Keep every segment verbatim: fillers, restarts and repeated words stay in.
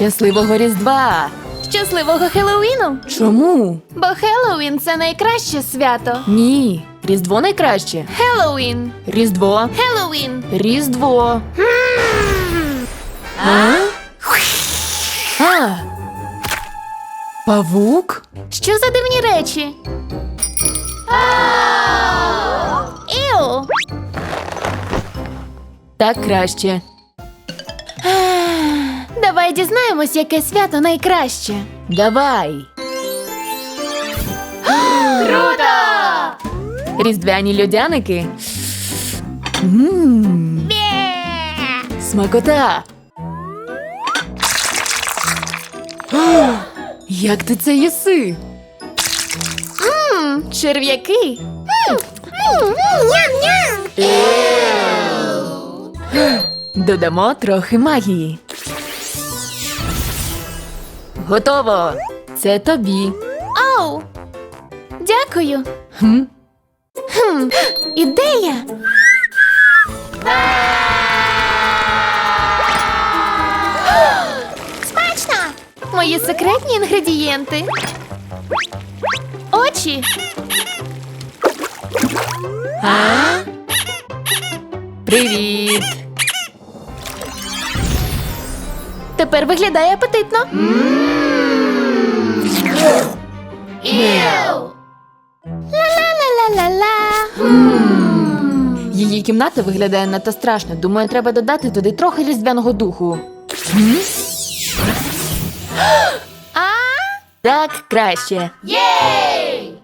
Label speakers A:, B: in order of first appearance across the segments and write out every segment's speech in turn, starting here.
A: Щасливого Різдва!
B: Щасливого Хеллоуіну!
A: Чому?
B: Бо Хеллоуін – це найкраще свято.
A: Ні. Різдво найкраще.
B: Хеллоуін!
A: Різдво.
B: Хеллоуін!
A: Різдво. А? А? Павук?
B: Що за дивні речі? Іу!
A: Так краще.
B: Давай дізнаємось, яке свято найкраще.
A: Давай.
B: Круто!
A: Різдвяні льодяники. Ммм, смакота. О, як ти це їси?
B: Ммм, черв'яки.
A: Додамо трохи магії. Готово. Це тобі.
B: Оу! Дякую.
A: Хм?
B: Хм, ідея! Смачно! Мої секретні інгредієнти. Очі.
A: А? Привіт.
B: Тепер виглядає апетитно. Іу! Ла-ла-ла-ла-ла-ла.
A: Її кімната виглядає надто страшно. Думаю, треба додати туди трохи різдвяного духу. Хм?
B: А?
A: Так краще.
B: Єй!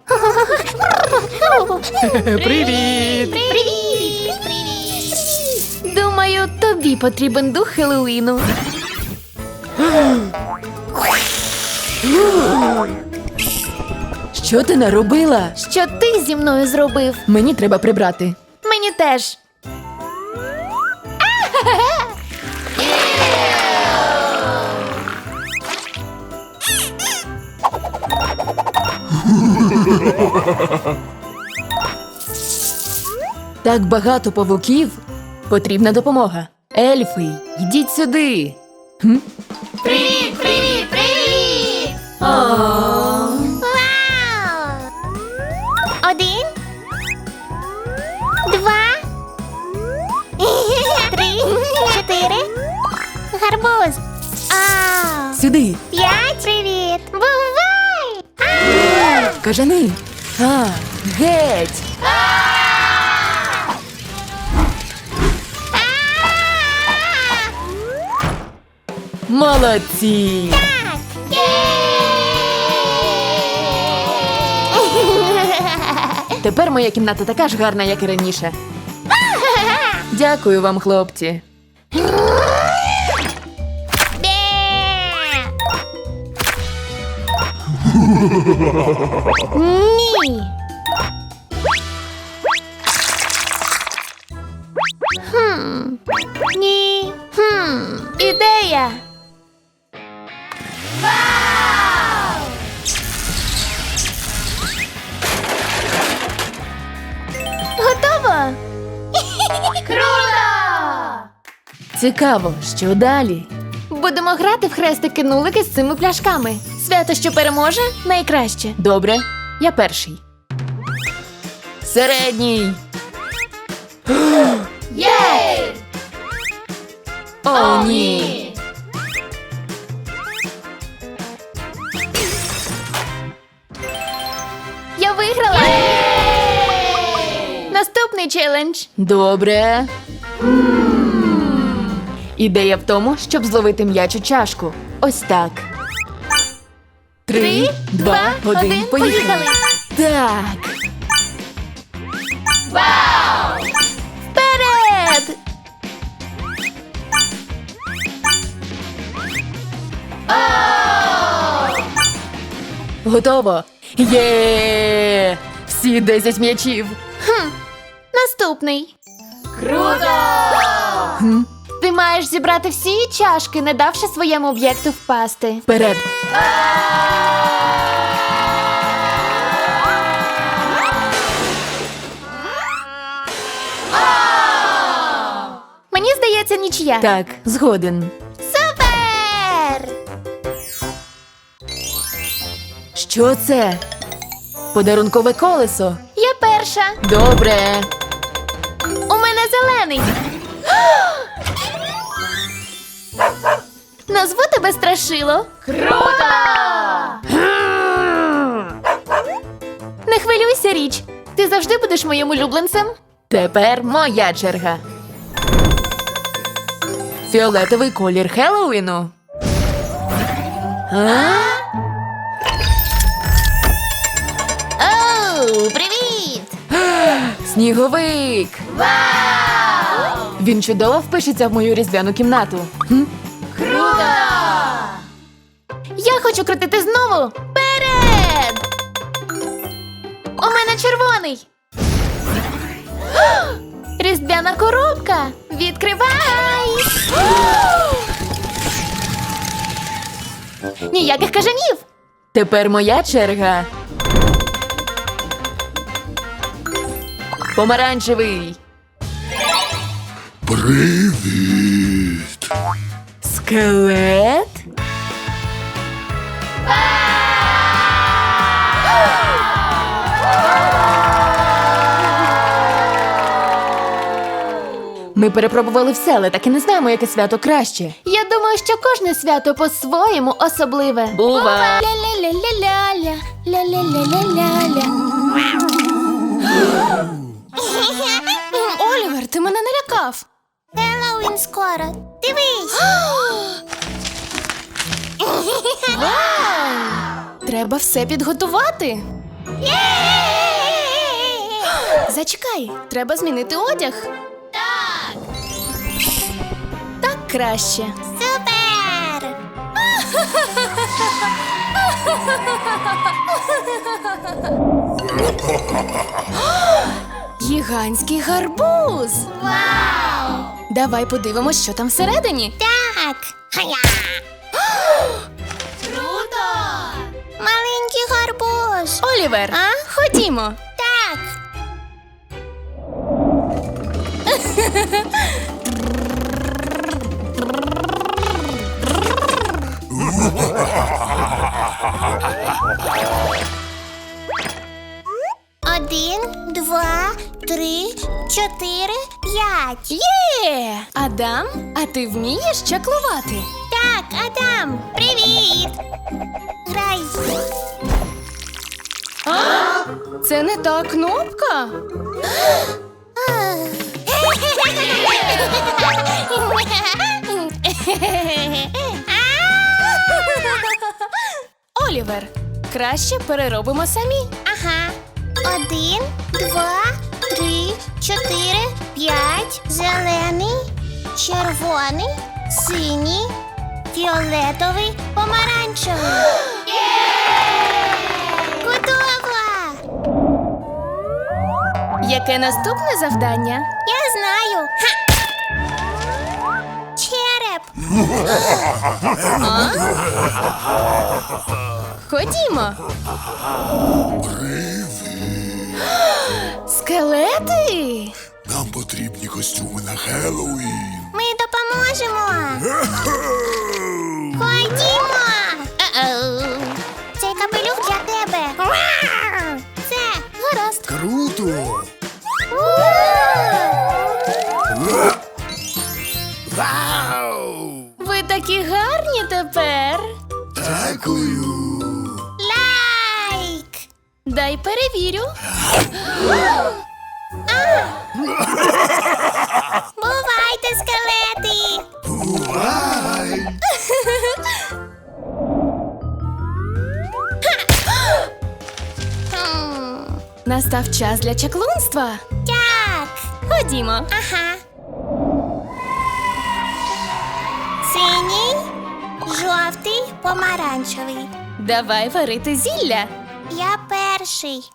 A: Привіт!
B: Привіт! Думаю, тобі потрібен дух Хеллоуіну.
A: Що ти наробила?
B: Що ти зі мною зробив?
A: Мені треба прибрати.
B: Мені теж.
A: Так багато павуків. Потрібна допомога. Ельфи, йдіть сюди. Хм?
B: Привіт, привіт, привіт! Вау! Один, два, три, чотири. Гарбуз. А,
A: Сюди.
B: п'ять. Привіт. Бувай!
A: Кажани. А, геть. Молодці. Тепер моя кімната така ж гарна, як і раніше. Дякую вам, хлопці.
B: Ні. Хм. Ні. Хм. Ідея. Вау! Готово. Круто!
A: Цікаво, що далі?
B: Будемо грати в хрестики-нулики з цими пляшками. Свято, що переможе, найкраще.
A: Добре, я перший. Середній.
B: Єй!
A: О, ні.
B: Я виграла! Наступний челендж.
A: Добре. Ідея в тому, щоб зловити м'яч у чашку. Ось так. Три, два, один, поїхали. Так.
B: Вау! Вперед!
A: Готово. Є! Всі десять м'ячів.
B: Хм. Наступний. Круто!
A: Хм.
B: Ти маєш зібрати всі чашки, не давши своєму об'єкту впасти.
A: Вперед.
B: Мені здається, нічия.
A: Так, згоден.
B: Супер!
A: Що це? Подарункове колесо.
B: Я перша.
A: Добре.
B: У мене зелений. Назву тебе Страшило.
A: Круто!
B: Не хвилюйся, Річ. Ти завжди будеш моїм улюбленцем.
A: Тепер моя черга. Фіолетовий колір Хеллоуіну. А?
B: Оу, привіт!
A: Сніговик!
B: Вау!
A: Він чудово впишеться в мою різдвяну кімнату. Хм?
B: Круто! Я хочу крутити знову. Вперед! У мене червоний. Різдвяна коробка. Відкривай! Ніяких кажанів.
A: Тепер моя черга. Помаранчевий.
C: Привіт!
A: Скелет? Ми перепробували все, але так і не знаємо, яке свято краще.
B: Я думаю, що кожне свято по-своєму особливе.
A: Бува!
B: Ля-ля-ля-ля-ля, ля-ля-ля-ля-ля-ля. Олівер, ти мене налякав.
D: Хеллоуін скоро. Дивись.
B: Треба все підготувати. Зачекай, треба змінити одяг.
D: Так.
B: Так краще.
D: Супер.
B: Гігантський гарбуз.
D: Вау.
B: Давай подивимось, що там всередині.
D: Так. Хая.
B: Круто!
D: Маленький гарбуз.
B: Олівер,
D: А?
B: ходімо.
D: Так. Один, два, три, чотири, п'ять.
B: Є! Адам, а ти вмієш чаклувати?
D: Так, Адам, привіт. Грай.
B: Це не та кнопка. Олівер, краще переробимо самі.
D: Ага. Один, два, три, чотири, п'ять. Зелений, червоний, синій, фіолетовий, помаранчевий. Готово!
B: Яке наступне завдання?
D: Я знаю. Ха! Череп.
B: Ходімо.
C: Привіт!
B: Скелети?
C: Нам потрібні костюми на Хеллоуін.
D: Ми допоможемо. Ходімо. Е-оу. Цей капелюх для тебе. Це гаразд.
C: Круто! Вау!
B: Ви такі гарні тепер.
C: Дякую!
D: Лайк.
B: Дай перевірю.
D: Бувайте, скелети.
C: Бувай!
D: Хм.
B: Настав час для чаклунства.
D: Так.
B: Ходімо.
D: Ага. Синій, жовтий, помаранчевий.
B: Давай варити зілля.
D: Я перший.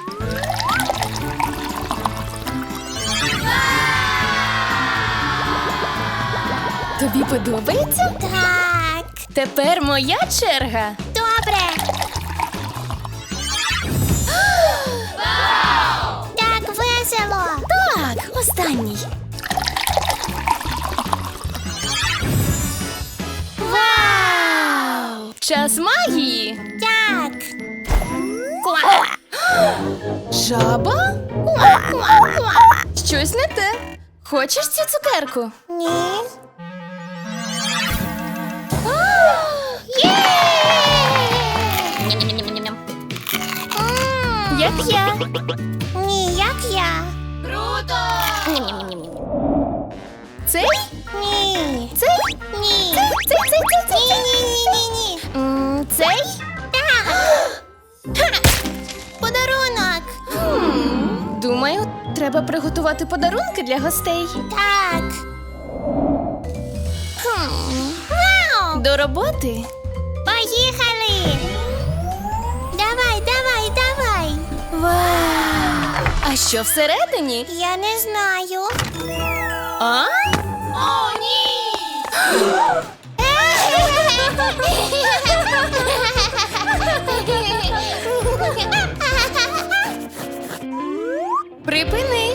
B: Тобі подобається?
D: Так.
B: Тепер моя черга.
D: Добре. Так весело.
B: Так, останній.
D: Вау!
B: Час магії.
D: Так.
B: Жаба? Щось не те. Хочеш цю цукерку?
D: Ні. М,
B: Як я.
D: Ні, як я.
B: Цей?
D: Ні.
B: Цей?
D: Ні.
B: Цей, цей, цей, цей,
D: Ні, ні, ні, ні, ні.
B: М, Цей?
D: Так. Подарунок.
B: Думаю, треба приготувати подарунки для гостей.
D: Так. Хм. Вау!
B: До роботи.
D: Поїхали! Давай, давай, давай!
B: Вау! А що всередині?
D: Я не знаю.
B: А?
D: О, ні!
B: Припини.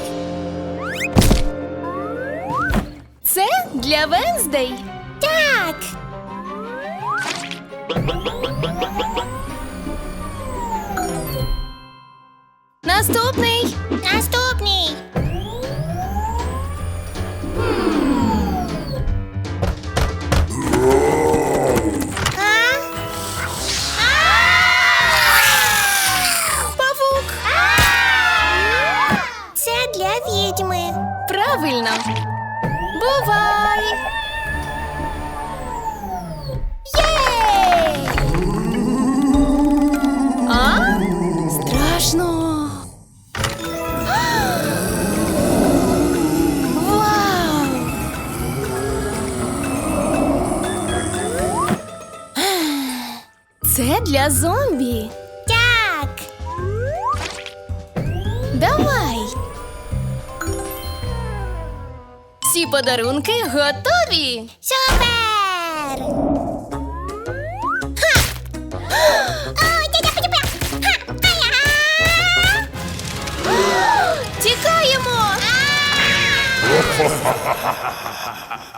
B: Це для Венздей.
D: Так!
B: Наступний.
D: Наступний! А?
B: Павук.
D: Це для відьми.
B: Правильно. Бувай. Єй! А? Страшно. Вау! Це для зомбі.
D: Так!
B: Давай. Всі подарунки готові.
D: Супер! Ха! О, тя-тя-пя-тя-пя! Ха! Ая!
B: Тікаємо.
D: А!